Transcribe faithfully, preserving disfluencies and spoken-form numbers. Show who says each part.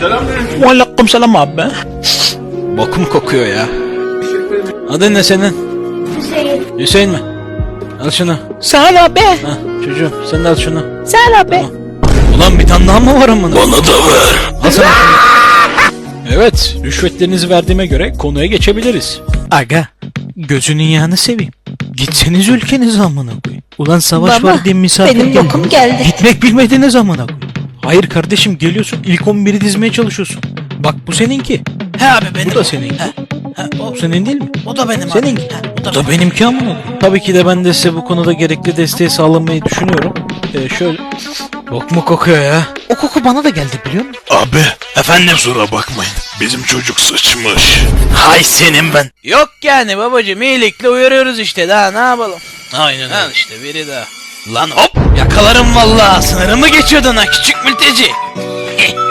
Speaker 1: Selamünaleyküm.
Speaker 2: Aleyküm selam abi. Bokum kokuyor ya. Adın ne senin?
Speaker 3: Hüseyin.
Speaker 2: Hüseyin mi? Al şunu.
Speaker 3: Sağ ol abi.
Speaker 2: Ha, çocuğum sen de al şunu.
Speaker 3: Sağ ol abi.
Speaker 2: Tamam. Ulan bir tane daha mı var amına?
Speaker 1: Bana da ver.
Speaker 2: Al sana şunu. Evet, rüşvetlerinizi verdiğime göre konuya geçebiliriz. Aga, gözünün yağını seveyim. Gitseniz ülkenize amına koyayım. Ulan savaş
Speaker 3: Baba,
Speaker 2: var diye misafir
Speaker 3: benim
Speaker 2: geldi.
Speaker 3: bokum geldi.
Speaker 2: Gitmek bilmediğiniz amına koyayım. Hayır kardeşim geliyorsun ilk on biri dizmeye çalışıyorsun. Bak bu seninki.
Speaker 4: He abi benim.
Speaker 2: Bu da seninki.
Speaker 4: He, he, o,
Speaker 2: Bu senin değil mi?
Speaker 4: o da benim abi.
Speaker 2: Seninki.
Speaker 4: He, o da
Speaker 2: Bu da benimki amına koyayım. Tabii ki de ben de size bu konuda gerekli desteği sağlamayı düşünüyorum. Ee, şöyle... Bok mu kokuyor ya? O koku bana da geldi biliyor musun?
Speaker 1: Abi. Efendim. Kusura bakmayın. Bizim çocuk sıçmış.
Speaker 4: Hay senin ben.
Speaker 2: Yok yani babacığım iyilikle uyarıyoruz işte daha ne yapalım.
Speaker 4: Aynen öyle.
Speaker 2: Al işte biri daha.
Speaker 4: Lan hop yakalarım vallahi sınırımı geçiyordun ha küçük mülteci.